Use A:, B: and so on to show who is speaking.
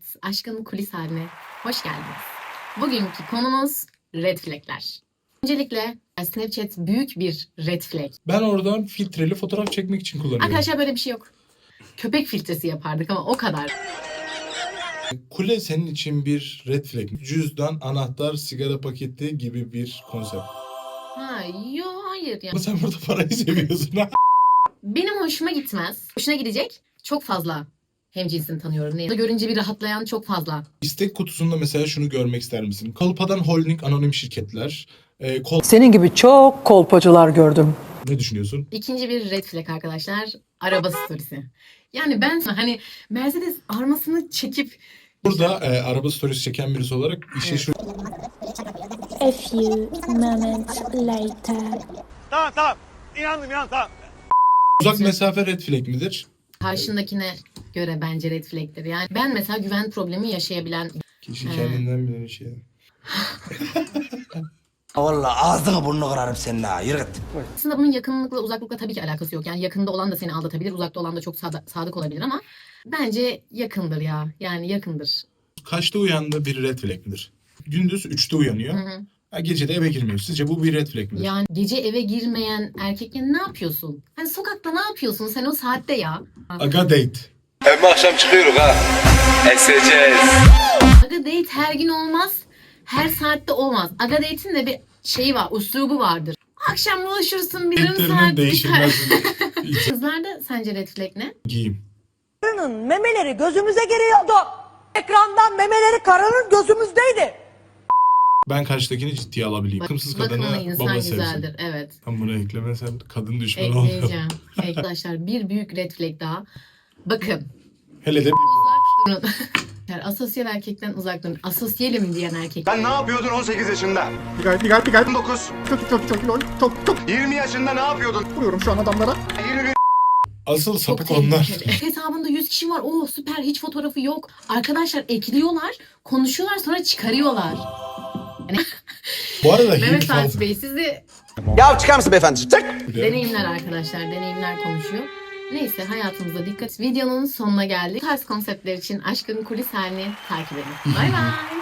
A: Aşkın kulis haline hoş geldiniz. Bugünkü konumuz red flag'ler. Öncelikle Snapchat büyük bir red flag.
B: Ben oradan filtreli fotoğraf çekmek için kullanıyorum.
A: Arkadaşlar böyle bir şey yok. Köpek filtresi yapardık ama o kadar.
B: Kule senin için bir red flag. Cüzdan, anahtar, sigara paketi gibi bir konsept.
A: Ha, hayır
B: Ama
A: yani.
B: sen burada parayı seviyorsun ha.
A: Benim hoşuma gitmez. Hoşuna gidecek çok fazla hemcinsini tanıyorum. Ne? Görünce bir rahatlayan çok fazla.
B: İstek kutusunda mesela şunu görmek ister misin? Kolpadan Holding anonim şirketler.
C: Senin gibi çok kolpacılar gördüm.
B: Ne düşünüyorsun?
A: İkinci bir red flag arkadaşlar. Araba storiesi. Yani ben hani Mercedes armasını çekip
B: Burada araba storiesi çeken birisi olarak işe şu...
D: A few moments later.
E: Tamam. İnandım tamam.
B: Uzak mesafe red flag midir?
A: karşındakine göre bence red flag'tir. Yani ben mesela güven problemi yaşayabilen
B: Kişi kendinden bilen şey.
F: Vallahi ağzını burnunu kırarım senin ha. Yürü git.
A: aslında bunun yakınlıkla uzaklıkla tabii ki alakası yok. Yani yakında olan da seni aldatabilir, uzakta olan da çok sadık olabilir ama bence yakındır ya. Yani yakındır.
B: Kaçta uyandı bir red flag midir? Gündüz 3'te uyanıyor. Ha, gece de eve girmiyor. Sizce bu bir red flag midir?
A: Yani gece eve girmeyen erkekle ne yapıyorsun? Hani sokakta ne yapıyorsun sen o saatte ya?
B: Aga date.
G: Hem akşam çıkıyoruz ha. Eseceğiz.
A: Aga date her gün olmaz. Her saatte olmaz. Aga date'in de bir şeyi var, uslubu vardır. Akşam buluşursun bir yarım
B: Date'lerinin
A: saat.
B: değişilmez.
A: Kızlarda sence red flag ne?
B: Giyim.
H: Karının memeleri gözümüze giriyordu. Ekrandan memeleri karının gözümüzdeydi.
B: Ben karşıdakini ciddiye alabileyim. Bakımsız
A: Bakımlı
B: kadını
A: insan
B: baba
A: güzeldir.
B: sevsin.
A: Evet.
B: Tam bunu eklemesen kadın düşmanı oluyor.
A: Ekleyeceğim. Arkadaşlar bir büyük red flag daha. Bakın.
B: Hele de
A: Uzak durun. Yani asosyal erkekten uzak durun. Asosyalim diyen erkek.
E: Sen ne yapıyordun 18 yaşında?
I: Pigay.
E: 19.
I: Çok
E: 20 yaşında ne yapıyordun?
I: vuruyorum şu an adamlara.
E: 21.
B: asıl
A: Çok
B: sapık onlar.
A: tehlikeli. Hesabında 100 kişi var. Oo süper hiç fotoğrafı yok. Arkadaşlar ekliyorlar, konuşuyorlar sonra çıkarıyorlar.
B: Bu arada
A: Mehmet
B: Hint
A: Fatih
B: falan.
A: Bey sizi
F: Ya çıkar mısın beyefendi? Çık.
A: deneyimler arkadaşlar. Deneyimler konuşuyor. Neyse hayatımıza dikkat. Videonun sonuna geldik. Bu tarz konseptler için Aşkın Kulis halini takip edin. Bay bay.